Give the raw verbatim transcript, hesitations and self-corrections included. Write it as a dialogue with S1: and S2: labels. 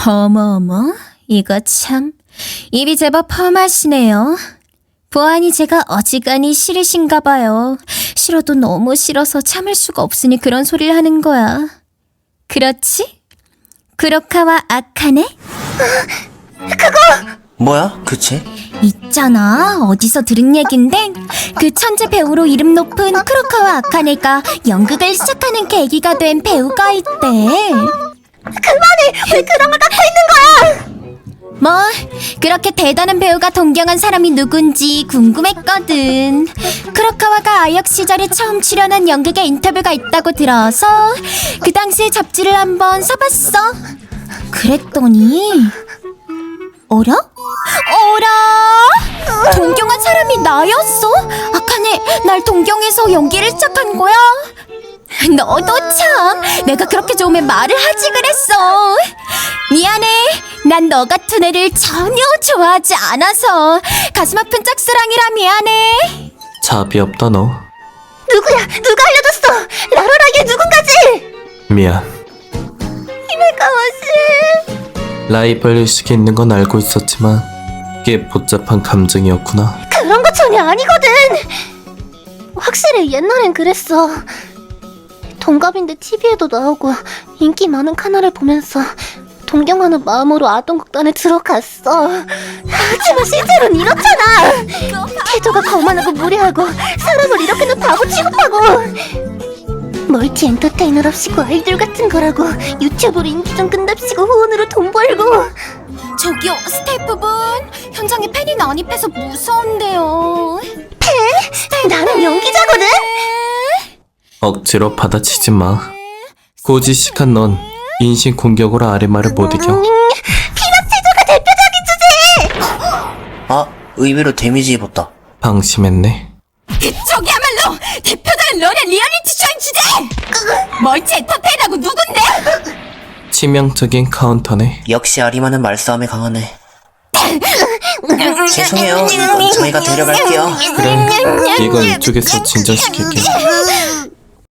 S1: 어머어머, 이거 참 입이 제법 험하시네요. 보아하니 제가 어지간히 싫으신가 봐요. 싫어도 너무 싫어서 참을 수가 없으니 그런 소리를 하는 거야. 그렇지? 쿠로카와 아카네?
S2: 뭐야? 그치?
S1: 있잖아, 어디서 들은 얘긴데 그 천재 배우로 이름 높은 쿠로카와 아카네가 연극을 시작하는 계기가 된 배우가 있대.
S3: 그만해! 왜 그런 걸 갖고 있는 거야!
S1: 뭐 그렇게 대단한 배우가 동경한 사람이 누군지 궁금했거든. 쿠로카와가 아역 시절에 처음 출연한 연극에 인터뷰가 있다고 들어서 그 당시에 잡지를 한번 사봤어. 그랬더니 어라? 어라? 동경한 사람이 나였어? 아카네, 날 동경해서 연기를 시작한 거야? 너도 참, 내가 그렇게 좋으면 말을 하지 그랬어. 미안해, 난 너 같은 애를 전혀 좋아하지 않아서 가슴 아픈 짝사랑이라 미안해.
S2: 자비 없다 너.
S3: 누구야? 누가 알려줬어? 라라라게 누군가지?
S2: 미안.
S3: 히메카와씨,
S2: 라이벌 의식이 있는 건 알고 있었지만 꽤 복잡한 감정이었구나.
S3: 그런 거 전혀 아니거든. 확실히 옛날엔 그랬어. 동갑인데 티비에도 나오고 인기 많은 카나를 보면서 동경하는 마음으로 아동극단에 들어갔어. 하지만 실제로는 이렇잖아. 태도가 거만하고 무례하고 사람을 이렇게는 바보 취급하고 멀티 엔터테이너랍시고 아이돌 같은 거라고 유튜브로 인기 좀 끈답시고 후원으로 돈 벌고.
S1: 저기요, 스태프분, 현장에 팬이 난입해서 무서운데요.
S3: 나는 연기자거든.
S2: 억지로 받아치지 마. 고지식한 넌 인신 공격으로 아레마를 못 이겨.
S3: 음, 피넛체조가 대표적인 주제.
S4: 아, 의외로 데미지 입었다.
S2: 방심했네.
S1: 그쪽이야말로 대표적인 롤의 리얼리티 쇼인 주제! 멀티 엔터테인하고 누군데?
S2: 치명적인 카운터네.
S4: 역시 아리마는 말싸움에 강하네. 죄송해요. 저희가 데려갈게요.
S2: 그래, 이건 이쪽에서 진정시킬게.